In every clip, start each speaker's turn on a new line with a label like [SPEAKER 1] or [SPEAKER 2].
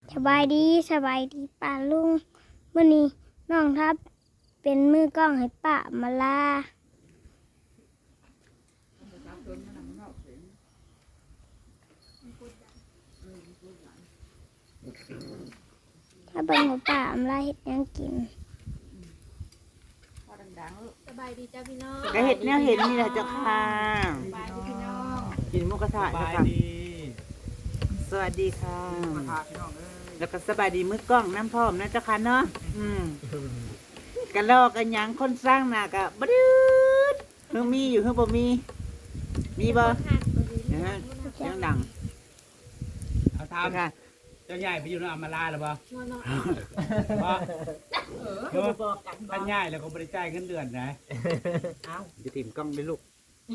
[SPEAKER 1] สบายดีป้าลุงมื้อนี้น้องทับเป็นมือกล้องให้ป้ามาลาถ้าเบิ่งว่าป้ามาลาเฮ็ดหยังกิน
[SPEAKER 2] สบายดีจ้าพี่น้อง
[SPEAKER 3] ก็เห็ดแนวเห็นนี่แหละเจ้าค่ะ
[SPEAKER 2] สบายดีพี่น้อง
[SPEAKER 3] กินหมุกระทะ
[SPEAKER 4] ส
[SPEAKER 3] เจ้า
[SPEAKER 4] บาย
[SPEAKER 3] ค่ะ
[SPEAKER 4] ดี
[SPEAKER 3] สวัสดีค่ะ
[SPEAKER 4] มาทาพี่น้องเอ้ย
[SPEAKER 3] แล้วก็สบายดีมือกล้องน้ำพร้อมนะเจ้าค่ะเนาะกันลอกกันหยังคนสร้างหน้ากะบดืดเพิ่งมีอยู่เพิ่งบ่มีบ่ยังดัง
[SPEAKER 4] เอาท
[SPEAKER 3] เจ้าค่ะ
[SPEAKER 4] ำเจ้าใหญ่ไปอยู่ในอามาลาหรือเปล่า
[SPEAKER 2] เนาะ
[SPEAKER 4] เพราะท่านใหญ่แล้วก็บริจาคเงินเดือนนะ
[SPEAKER 3] จะถิ่มกล้องด้วยลูก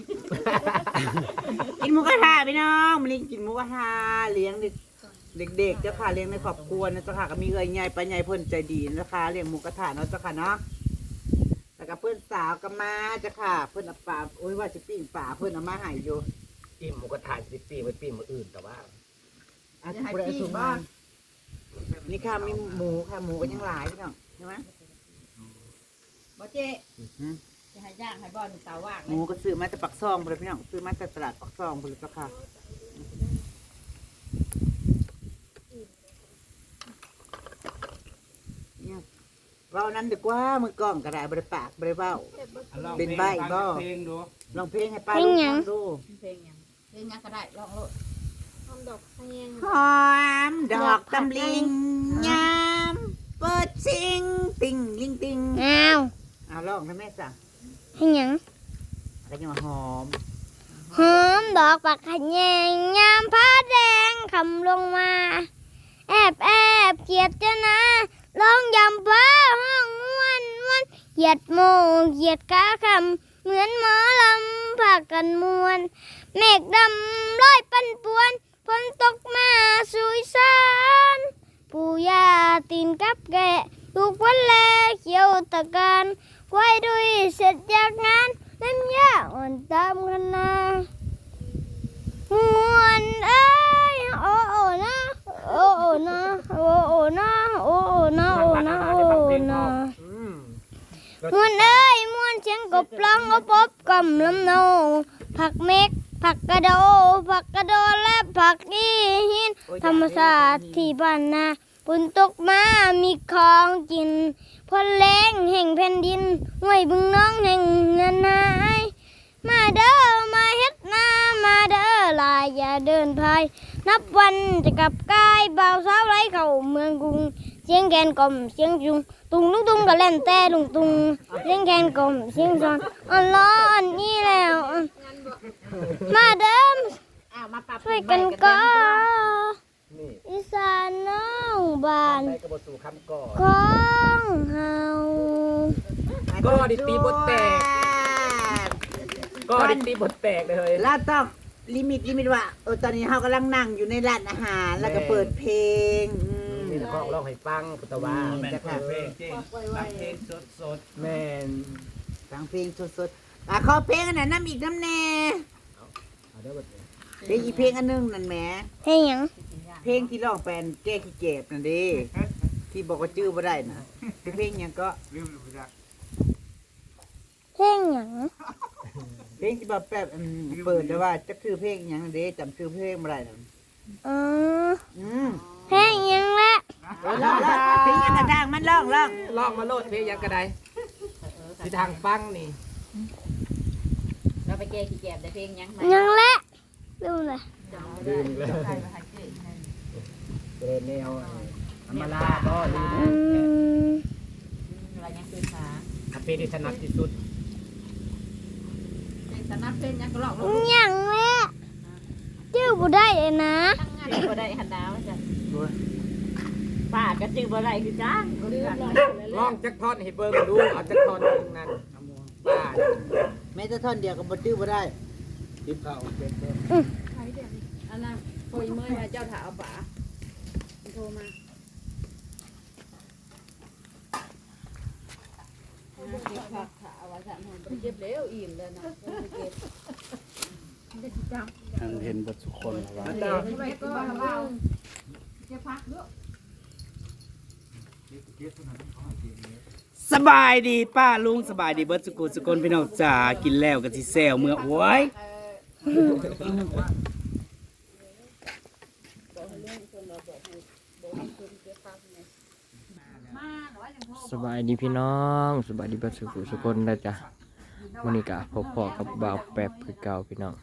[SPEAKER 3] กินหมูกระทะพี่น้องมาเลี้ยงกินหมูกระทะเลี้ยงเด็กๆเจ้าค่ะเลี้ยงในครอบครัวนะเจ้าค่ะก็มีเอ้ยใหญ่ปลาใหญ่เพิ่นใจดีนะคะเลี้ยงหมูกระทะเนาะเจ้าค่ะเนาะแล้วก็เพื่อนสาวก็มาเจ้าค่ะ เพื่อนเอาปลาโอ้ยว่าจะปิ้งปลาเพื่อนเอามาให้อยู่
[SPEAKER 5] ปิ้งหมูกระทะสิปิ้งไว้ปิ้งมื้ออื่นแต่ว่า
[SPEAKER 3] อาจจะได้สูงมากนี่ค่ะมีหมูค่ะหมูก็ยังหลายพี่น้องใช่ไหม
[SPEAKER 2] บ่เจ๊จะให้ย่างให้บ่อนเตาว่าง
[SPEAKER 3] หมูก็ซื้อมาจากปักซองไปเลยพี่น้องซื้อมาจากตลาดปักซองไปเลยเจ้าค่ะเนี่ยเว้านั้นดีกว่ามือกล้องกระดาษบริปากบริเว้า เป็นใบ้บ่
[SPEAKER 4] เพลงดู
[SPEAKER 3] ลองเพลงให้ป้าลูกฟังดู
[SPEAKER 2] เพลงหยังก็ได้ลองโลดทำดอกแห้ง
[SPEAKER 3] หอมดอกตำลิงยามเปิดซิงติงลิงติง
[SPEAKER 1] อ้าว
[SPEAKER 3] เอาลองนะแม่จ้ะ
[SPEAKER 1] ให้หยัง
[SPEAKER 3] อะไรจะมาหอม
[SPEAKER 1] หอมดอกปักขะแยงยามผ้าแดงคำลงมาแอบเกียดจะนะร้องยำฟ้าห้องม่วนเหยียดโมเหยียดขาคำเหมือนหมอลำพากันมวนเมฆดำร้อยปั่นป่วนฝนตกมาสุยสานปู่ย่าตีนกับแกะลูกวันแลเขียวตะการไว้ด้วยเสร็จจากงานเล่มยาอ่อนตามคณะมวนเอ้ยโอ้โอ้นะโอ้โอ้นะโอ้โอ้นะโอ้โอ้นะโอ้นะโอ้นะมวนเอ้ยมวนเสียงกบร้องอบกำลำโนผักเม็กผักกระโดและผักอีหินธรรมศาสตร์ที่บ้านนาฝนตกมามีของกินพอแรงแห่งแผ่นดินห้วยบึงน้องแห่งเงินหายมาเด้อมาเฮ็ดนามาเด้อลายอย่าเดินพายนับวันจะกลับกายบ่าวสาวไร้เข้าเมืองกรุงเสียงแกนกลมเสียงจุงตุงลุงตุงก็เล่นแต่ลุงตุงเสียงแกนกลมเสียงซอนอ่อนร้อนนี่แล้วมาเด้อ
[SPEAKER 2] อ้าวมาปรับ
[SPEAKER 1] ช่วยกันก็
[SPEAKER 5] นี่
[SPEAKER 1] อีสานน้องบ้าน
[SPEAKER 5] ได้กระบอกสู่คำก่อ
[SPEAKER 1] ของเฮา
[SPEAKER 5] ก็ดิตีบทแตกก็ดิตีบทแตกเลย
[SPEAKER 3] แล้วต้องลิมิตว่าตอนนี้เรากำลังนั่งอยู่ในร้านอาหารแล้วก็เปิดเพลง
[SPEAKER 5] นี่นะก็ร้องให้ฟังพุทธวา
[SPEAKER 4] แม่นเพลงจริงรักเพลงสด
[SPEAKER 5] แม่น
[SPEAKER 3] ฟังเพลงสดๆขอเพลงอันนั้นน้ำอีกน้ำแน่
[SPEAKER 5] เอาได้บท
[SPEAKER 3] เพลงอีกเพลงอันนึงนั่นแหม
[SPEAKER 1] เฮ้ยหยัง
[SPEAKER 3] เพลงที่ร้องแปลนแก้ขี้เก็บนั่นดิที่บอกว่าจื้อบ่ได้นะเป็นเพลงหยังก็
[SPEAKER 4] ๆลืมอยู่จัก
[SPEAKER 1] เฮ้ยหยัง
[SPEAKER 3] เพลงที่แบบเปิดแต่ว่าจะคือเพลงหยังเด้จำชื่อเพลงบ่ได้นะ
[SPEAKER 1] อ๋อ
[SPEAKER 3] อืม
[SPEAKER 1] เฮ้ยหยังละ
[SPEAKER 3] ร้องเพลงหยังกระด้างมันร้อง
[SPEAKER 5] ลองมาโลดเพลงยังกระไดที่ทางฟังนี่
[SPEAKER 2] เราไปแก้ขี้แกบได้เพลงหยัง
[SPEAKER 1] หยังละดูเลย
[SPEAKER 5] ลืมเลยเป็นแนวอำมาลาก็ลืม
[SPEAKER 2] อะไรยังคือขา
[SPEAKER 5] เพลงที่ถนัดที่สุด
[SPEAKER 2] สนับเพลงหยังก็ลองโลด
[SPEAKER 1] หยังละจื้อบ่ได้เลยนะ
[SPEAKER 2] ตั้งงานบ่ได้หันดาวจ้ะป้าก็จื้อบ่ได้คือจ้างลืม
[SPEAKER 5] ลองจักท่อนให้เบิ่งดูเอาจักท่อนหนึงนั่นป้า
[SPEAKER 3] แม้แต่ท่อนเดียวก็บ่จื้อบ่ได้
[SPEAKER 4] ทิพย์เข้าเป็น
[SPEAKER 2] อันนั้นโอยเมื่อยมาเจ้าถาเอาป๋าโทรมาเก็บผักขาว่าจะมันเก็บแล้วอิ่มเลยนะเก็บ
[SPEAKER 4] เห็นบทสุคนว่า
[SPEAKER 2] ทำไมก็เราเก็บผักด้วย
[SPEAKER 4] สบายดีป้าลุงสบายดีเบิร์ดสกุลพี่น้องจ๋ากินแล้วก็สิแซวเมื่อโอ้ย
[SPEAKER 5] สบายดีพี่น้องสบายดีเบัดสุคนนะจ๊ะมื้อนี้ก็พบพอกับบ่าวแป๊บคือเก่าพี่น้อง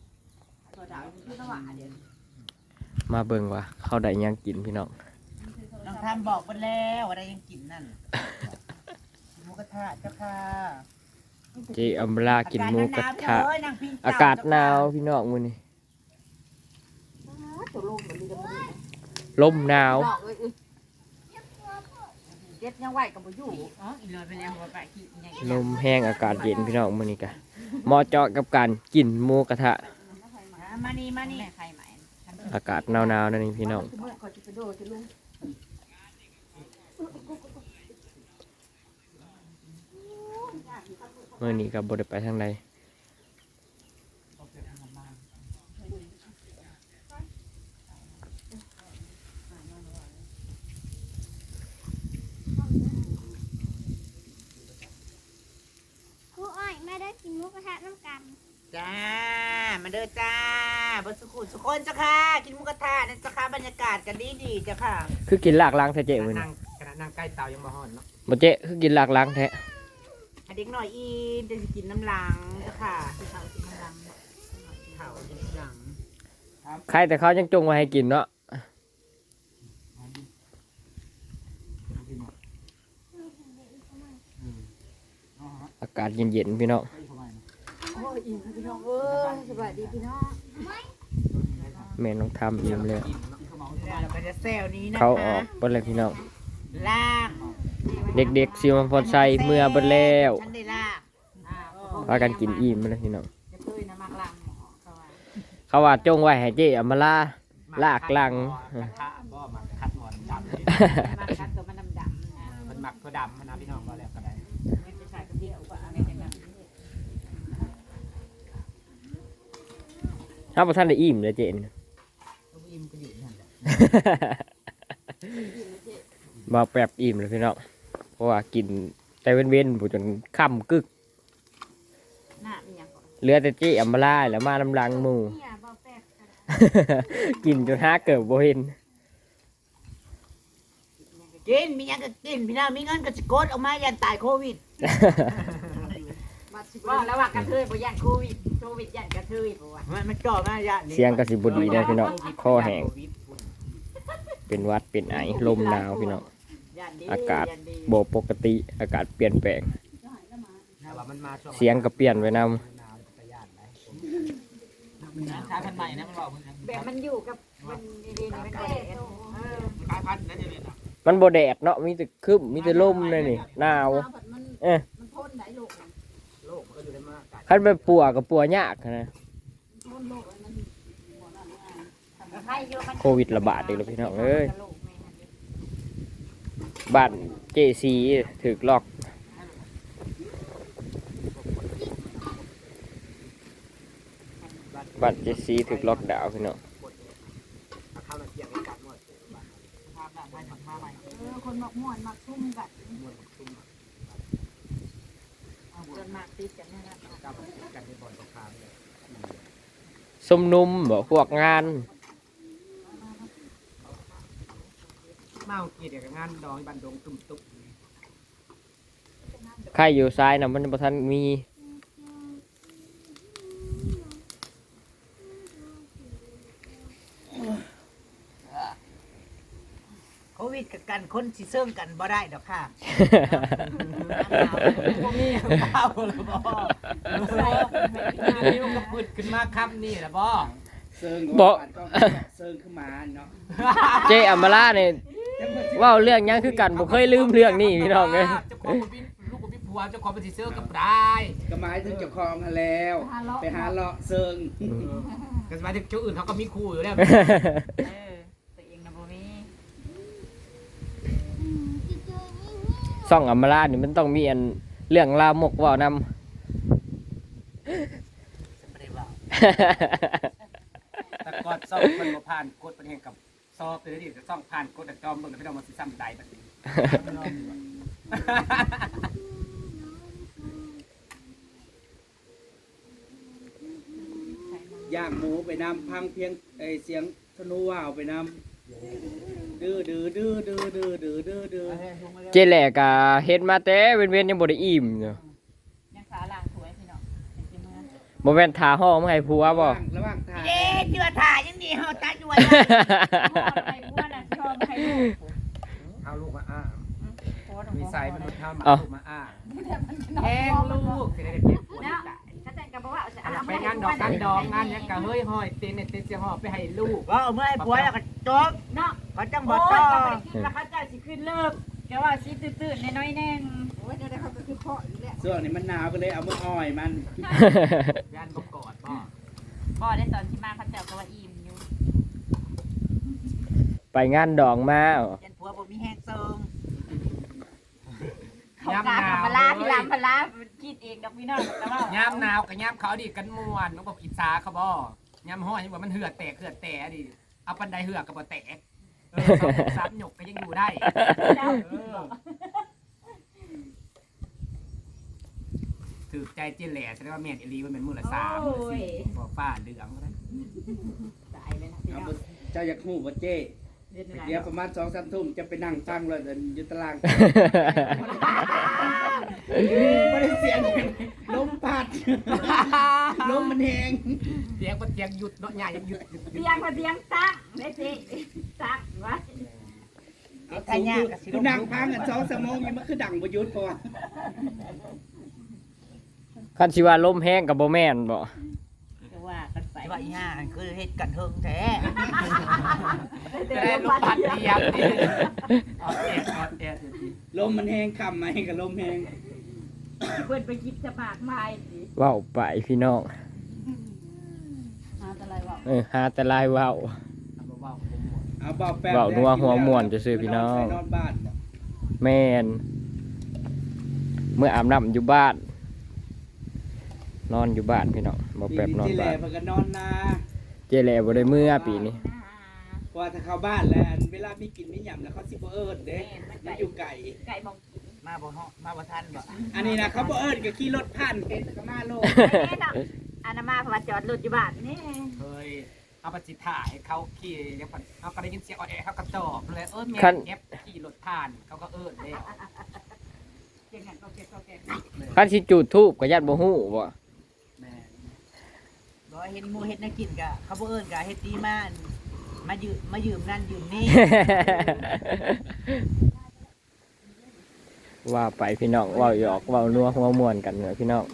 [SPEAKER 5] มาเบิ่งว่าเขาได้หยังกินพี่น้อง
[SPEAKER 3] น้องทำบอกไปแล้วอะไรยังกินนั่นหมูกระทะเจ้าค่ะ
[SPEAKER 5] เจอัมลากินหมูกระทะ
[SPEAKER 3] เอ้ยนางพิง
[SPEAKER 5] อากาศหนาวพี่น้องมื้อนี้ลมหนาว
[SPEAKER 2] เจ็ดยังไหวกับบ่อยู่อ๋ออีเลยไปแล้วหัวไปขี้ใหญ่
[SPEAKER 5] ลมแห้งอากาศเย็นพี่น้องมื้อนี้ก็เหมาะเจาะกับการกินหมูกระทะ
[SPEAKER 3] มานี่มานี่
[SPEAKER 2] ใครใหม่
[SPEAKER 5] อากาศหนาวๆนั่นนี่พี่น้อง
[SPEAKER 2] เมื่อก่อนจะไปโดดจะลุง
[SPEAKER 5] มื้อนี้ก็บ่ได้ไปทางใด
[SPEAKER 1] ครูอ้อยไม่ได้กินหมุกกระทะน้ำกัน
[SPEAKER 3] จ้ามาเด้อจ้าบนสุขุมสุคนเจ้าค่ะกินหมูกระทะนั่นเจ้าค่ะบรรยากาศกันดีๆเจ้าค่ะ
[SPEAKER 5] คือกินลากล้างแท้เจ๊มื้อนี้
[SPEAKER 4] ขณะนั่งใกล้เตายังบ่ฮ้อนเนาะ
[SPEAKER 5] บ่เจ๊คือกินลากล้างแท้
[SPEAKER 3] อันเด็กหน่อยอีนจะกินน้ำลังเจ้าค่ะเขากินน้ำลังเขากินน้ำลัง
[SPEAKER 5] ใครแต่เขายังจงไว้ให้กินเนาะอากาศเย็นๆพี่น้อง
[SPEAKER 2] โอ้ยอีพี่น้องเอ้ยสบายดีพี่น้อง
[SPEAKER 5] แม่น้องทำอิ่มเลย
[SPEAKER 3] แล้วเราก็จะแซวนี้นะคะ
[SPEAKER 5] เขาออกเบิดเลยพี่น้อง
[SPEAKER 3] ลาก
[SPEAKER 5] เด็กๆซิวมันพอใส่เมื่อเบิดแล้ว
[SPEAKER 3] ฉันได้ลาก
[SPEAKER 5] พากันกินอิ่มมาเลยพี่น้อง
[SPEAKER 2] จะเคยนะมักลังเขาว่า
[SPEAKER 5] เขาว่าจงไว้ให้เจ๊เอามาลากลัง
[SPEAKER 4] กระทะบ่มาคัดหมอนดำ
[SPEAKER 2] มักคัดตัวมันดำๆนะ
[SPEAKER 4] มันหมักตัวดำมันนะพี่น้องก็แล้วก็ได้
[SPEAKER 2] ไม่ใช่กระเดียวว่าอะไรจังนั้น
[SPEAKER 5] ถ้าพอท่านได้อิ่มเลยเจน
[SPEAKER 3] ต้องอิ่มก็อยู่นั่นแหละ
[SPEAKER 5] มาแปบอิ่มเลยพี่น้องเพราะว่ากินแต่เว้นๆผู้จนค่ำกึก
[SPEAKER 2] หน้ามีหยังก่อน
[SPEAKER 5] เหลือแต่เจ๊เอามาล่าแล้วมาลำลังหมู่
[SPEAKER 2] เนี่ยบ่แปลกกัน
[SPEAKER 5] กินจนห้าเกิดบ่เห็น
[SPEAKER 3] กินมีหยังก็กินพี่น้องมีเงินก็จะกดออกมายันตายโควิด
[SPEAKER 2] ว่าแล้วว่ากระเทยบ่ยันโควิดยันกระเทยบ่ว่า
[SPEAKER 3] มันจ่อมายัน
[SPEAKER 5] เสียงกระสิบดีนะพี่น้องคอแห้งเป็นหวัดเป็นไอลมหนาวพี่น้อง
[SPEAKER 2] ยันดี
[SPEAKER 5] อากาศ
[SPEAKER 2] ยันดี
[SPEAKER 5] โบปกติอากาศเปลี่ยนแปลง
[SPEAKER 4] แต่ว่ามันมาช่วง
[SPEAKER 5] เสียงก็เปลี่ยนไปน
[SPEAKER 4] หนาวจะย่านไหนชาพันธุ์ใหม่นะมันบอกมึง
[SPEAKER 2] แบบมันอยู่กับมันดีๆมันก็ได้เออ
[SPEAKER 4] ชาพันธุ์นั่นจะเป็น
[SPEAKER 5] ำมันโบแดดเนาะมีแต่ครึ้มมีแต่ลมเลยนี่หนาวเอ๊ะ
[SPEAKER 2] มันพ่นได้ลูกมัน
[SPEAKER 4] โลกมันก็อยู่ในมากาศ
[SPEAKER 5] คันไปปัวกับปัวยากนะ
[SPEAKER 2] พ่นลูกมันใครอยู่มัน
[SPEAKER 5] โควิดระบาดอีกแล้วพี่น้องเอ้ยบ้านเจซีถึกล็อกบ้านเจซีถึกล็อกดาวน์พี่น้อง
[SPEAKER 4] ข้าวละเกียงกันหมด
[SPEAKER 2] คนมักม่วนมักทุ่มกันจนมากติดกันนี่นะ
[SPEAKER 4] กับกันในบ่อนตกค้างเลย
[SPEAKER 5] สมนุมบอกพวกงาน
[SPEAKER 4] เมาเกียดกับงานดองบันดงตุ่มตุ๊บ
[SPEAKER 5] ใครอยู่ซ้ายนะมันประทันมี
[SPEAKER 3] โควิดกับกันคนสิเซิ่งกันบ่ได้ดอกค่ะ
[SPEAKER 4] พวกนี้เปล่าหรือบ่นี่มันก็ปืดขึ้นมาคำนี่แหละบ่เซิง
[SPEAKER 5] บอก
[SPEAKER 4] เซิงขึ้นมาเนาะ
[SPEAKER 5] เจอัมมาล่าเนี่ยเว่าเรื่องหยังคือกันผมเคยลืมเรื่องนี้พี่น้องเลย
[SPEAKER 4] เจ้าของบ่มีลูกบ่มีผัวเจ้าของเป็นสิเซิงกับได้
[SPEAKER 6] ก็หมายถึงเจ้าของหั้นแล้ว ไปหาเลาะเซิง
[SPEAKER 4] ก็หมายถึงเจ้าอื่นเขาก็มีคู่อยู่แล้ว
[SPEAKER 2] ตัวเองนะบ่มี
[SPEAKER 5] ซ่องอัมมาล่านี่มันต้องมีอันเรื่องลามกเว่านำ
[SPEAKER 4] แต่กดซ่องมันบ่ผ่านกดเป็นแห่งกับซอบเลยดิจะซ่องผ่านกดแต่จอมเบิ่งแล้วพี่น้องมันสิซ้ำใดบัดนี้ย่างหมูไปนำพังเพียงเสียงธนูว่าวไปนำดื้อดื้อดื้อดื้อดื้อดื้อดื้อดื้อ
[SPEAKER 5] เจแหลกะเฮ็ดมาแต่เว้นๆยังบ่ได้อิ่มอยู่
[SPEAKER 2] ยังขาล่างถวยพี่น้องเป็นเมื่อ
[SPEAKER 5] บ่แม่นทาห้องมาให้ผัวบ่
[SPEAKER 4] ระหว่างทาง
[SPEAKER 3] เอ๊ะเจือถ่ายยังดีเฮาตาด้วย
[SPEAKER 2] ไอ้อ้วนน่ะชอบให้ลูก
[SPEAKER 6] เอาลูกมาอ้าง
[SPEAKER 2] โพสต์
[SPEAKER 6] มี
[SPEAKER 2] ของ
[SPEAKER 6] ใส่มนุษย์ทำ
[SPEAKER 5] เอา
[SPEAKER 6] ลูกมาอ้างแห้งลูกสิได้เจ็บปวด
[SPEAKER 2] เนาะ
[SPEAKER 6] ตาย
[SPEAKER 2] ถ้าแต่งกับว่าจะ
[SPEAKER 6] ไปงานดอกกันดองงานเนี้ยกะเฮ้ยห้อยเต้นเนี่ยเต้นเสียหอบไปให้ลูก
[SPEAKER 3] ว่าเอาเมื่อให้ผัวแล้วก็จบ
[SPEAKER 2] เนาะ
[SPEAKER 3] เขาจังบ่
[SPEAKER 2] โอ้ย
[SPEAKER 3] ต่อ
[SPEAKER 2] ก็ไม่ได้คิดว่าเขาจะสิขึ้นเลิกแกว่าสิตื่นๆน้อยๆแน่งโอ้ยเดี๋ยวเขาก็คือพ่ออีกแล้ว
[SPEAKER 4] ส่วนนี้มันหนาวก็เลยเอามืออ้อยมัน
[SPEAKER 6] ย่านก็กอดพ่อ
[SPEAKER 2] พ่อได้ตอนที่มาเขาเจ้าก็ว่าอิ่มอยู่
[SPEAKER 5] ไปงานดองมา
[SPEAKER 3] ยันผัวบ่มีแห้งเซิง
[SPEAKER 2] เขากาพลาพี่ลำพลาคิดเองดอกพี่น้องแต่ว่า
[SPEAKER 6] ย่ามหนาวกับย่ามเขาดิกันม่วนน้องบอกกินซาเขาบ่ย่ามห้อยยังบอกมันเหือดแตกดิเอาปันไดเหือกกับบ่แตกสามหยกก็ยังอยู่ได้ถือใจเจแหล่แสดงว่าแม่นอีลีมันเป็นมื้อละ3มื้อละ4บอกฟ้าเหลืองนะ
[SPEAKER 2] ตายเลยนะพี่
[SPEAKER 4] เอา
[SPEAKER 2] น้อง
[SPEAKER 4] บ่เจ้าอยากหูบ่เจ้
[SPEAKER 2] เดือนไหน
[SPEAKER 4] เดี๋ยวประมาณ2-3 ทุ่มจะไปนั่งฟังเลยเดินอยู่ตารางไม่ได้เสียงลมพัดลมมันแหง
[SPEAKER 6] เสียงก็เสียงหยุดเนาะหญ้ายังหยุด
[SPEAKER 2] เตียงพอเตียงตั้งได้สิตั้งไว้
[SPEAKER 4] เอาสูงดูนั่งพังกัน2 ชั่วโมงยังมันคือดังบ่หยุดพอ
[SPEAKER 5] คันสิว่าลมแห้งก็บ่แม่นบ่
[SPEAKER 2] จะว่ากันไป
[SPEAKER 3] ว่าอีห่าคือเฮ็ดกันเฮิงแท้
[SPEAKER 6] จะได้ลูกพัดเดียบดิออดแอด
[SPEAKER 4] ลมมันแหงค่ำไหมกับลมแหง
[SPEAKER 2] เพื่อนไปคิดจะปากไม้สิ
[SPEAKER 5] เว้าไปพี่น้อง
[SPEAKER 2] หาอะไรวะ
[SPEAKER 5] หาแต่ลายเว้า
[SPEAKER 4] เอาเบาแป๊บ
[SPEAKER 5] เว้านัวหัวม่วนจะซื้อพี่น้อง
[SPEAKER 4] นอนบ้านบ่
[SPEAKER 5] แม่นเมื่ออาบน้ำอยู่บ้าน นอนอยู่บ้านพี่น้องบ่แป๊บนอน
[SPEAKER 4] ที่แห
[SPEAKER 5] บ้า
[SPEAKER 4] ล่
[SPEAKER 5] น
[SPEAKER 4] เพิ่นก็นอนนา
[SPEAKER 5] เจแหลบ่ได้เมื่อปีนี้
[SPEAKER 4] เพราะว่าถ้าเข้าบ้านแล้วเวลามีกินมีหยำแล้วเขาสิบ่เอิ้นเด้มันอยู่ไกล
[SPEAKER 2] ไก่มองกิน
[SPEAKER 3] มาบ่ฮอมาบ่ทันบ่
[SPEAKER 4] อันนี้นะเขาบ่เอิ้นก็ขี่รถผ่านเห็นก็มาโลด
[SPEAKER 2] แน่นอนอานามาเพราะว่าจอดรถอยู่บ้านนี่
[SPEAKER 6] เฮ้ยเอาไปจิถ่ายเขาขี่ยังผ่านเขาก็ได้ยินเสียงออดแอดเขากระจอกเลยแม่เก็บขี่รถผ่านเขาก็เอิ้นเลย
[SPEAKER 2] เก่งกันก็เก็บก็เก็บ
[SPEAKER 5] คันสิจุดธูปก็ยัดบ่ฮู้บ่
[SPEAKER 6] แม่
[SPEAKER 3] บ่เห็นหมู่เฮ็ดแนวกินก็เขาบ่เอิ้นก็เฮ็ดดีมามายืมนั่นยืมนี่
[SPEAKER 5] ว่าไปพี่น้องเว้าหยอกเว้านัวหัวม่วนกันเนอะพี่น้อง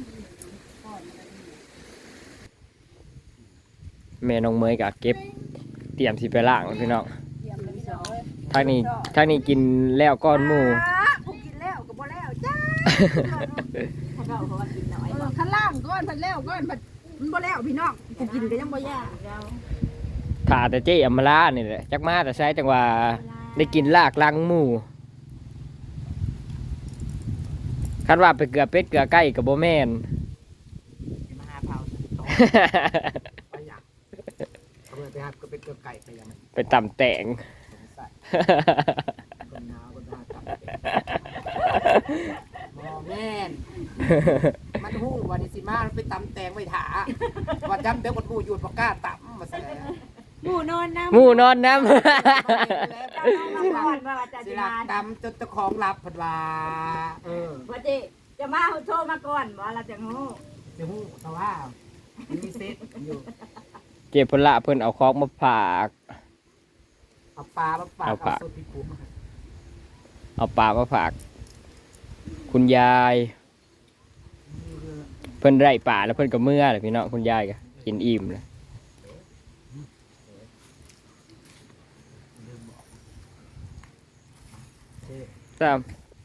[SPEAKER 5] แม่น้องเมยก็เก็บเตรียมสิไปล้างพี่น้องทางนี้กินแล้วก้อนหมู
[SPEAKER 2] ผู้กินแล้วก็บ่แล้วจ้าเขาก็เขาว่ากินน้อย
[SPEAKER 7] ข้างล่างก้อนพันแล้วก้อนพันมันบ่แล้วพี่น้องกูกินก็ยังบ่ยาก
[SPEAKER 5] ถ่าแต่เจ๊อำมาลานี่แหละจักมาแต่ใช้จังว่าได้กินลากลังหมูคันว่าไปเกลือเป็ดเกลือไก่กับโบแมน
[SPEAKER 3] มาหาเผา
[SPEAKER 6] ไปอยากเอาไปหาก็เป็นเกลือไก่ไปยัง
[SPEAKER 5] ไปตำแต่ง
[SPEAKER 6] คนหนาวคนหนาวมอแม่นมันหู้วันนี้สิมาไปตำแตงไว้ถาว่าจำเดี๋ยวคนหู้หยุดปากกาตำมาแสดง
[SPEAKER 2] หมูนอนน้ำ
[SPEAKER 5] หมูนอนน้
[SPEAKER 2] มาก่อนว่าจะ
[SPEAKER 6] สิ
[SPEAKER 2] มา
[SPEAKER 6] ลาตำจนเจ้าของรับผดว่า
[SPEAKER 2] ว่าจะมาโทรมาก่อนว่าเราจะงู
[SPEAKER 6] จะหู้แต่ว่ามันมีเซตอยู่
[SPEAKER 5] ำเจ็บพละเพิ่นเอาของมาฝาก
[SPEAKER 6] เอาปลามาฝาก
[SPEAKER 5] เอาปลา
[SPEAKER 6] เอาสุดที่คุ้ม
[SPEAKER 5] เอาปลามาฝาก คุณยาย เพิ่นไร่ป่าแล้วเพิ่นก็เมื่อเลยพี่น้องคุณยายก็กินอิ่มเลยตาม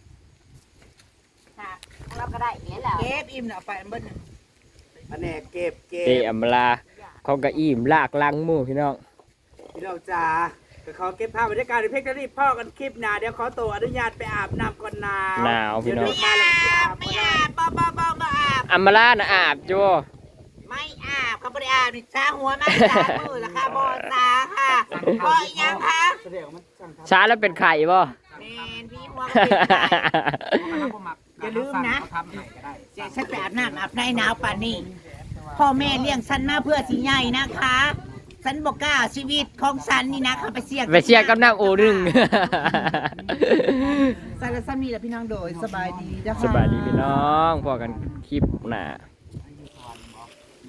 [SPEAKER 2] เราก็ได้เนี่ยแหละ
[SPEAKER 3] เก็บอิ่มน่ะเอาไปเบิ่น
[SPEAKER 4] อันนี้เก็บ
[SPEAKER 5] เจอำมาลาเขาก็อิ่มลากลังหมูพี่น้อง
[SPEAKER 4] พี่น้องจ๋าก็ขอเก็บภาพบรรยากาศในเพลงนี้พ่อกันคลิปหน้าเดี๋ยวขอตัวอนุญาตไปอาบน้ำก่อนหนาว
[SPEAKER 5] หนาวพี่น้อง
[SPEAKER 4] เดี๋ยวมาแล้วจะอาบบ่ได้
[SPEAKER 3] บ่อาบ
[SPEAKER 5] อัมมาลานะอาบจ้ว
[SPEAKER 3] ไม่อาบเขาบ่ได้อาบนี่ชาหัวมาชามือละค่ะบ่ตาค่ะบ่อีหยังคะ
[SPEAKER 4] แสดงว่ามันสั่งทำ
[SPEAKER 5] ช้าแล้วเป็นไข่บ่
[SPEAKER 3] แม่นหัวก็เป็นได้
[SPEAKER 6] อย่าลืมนะทำให้ก็ได้
[SPEAKER 3] เจ๊ฉันไปอาบน้ำอาบในหนาวป่านนี้พ่อแม่เลี้ยงฉันมาเพื่อสิใหญ่นะคะฉันบอกกล้าชีวิตของฉันนี่นะเขาไปเสีย
[SPEAKER 5] ไปเชียร์กับน้ำโอดึง
[SPEAKER 3] สารสามีและพี่น้องโดยสบายดีนะคะ
[SPEAKER 5] สบายดีพี่น้องพอกันคลิปหน้า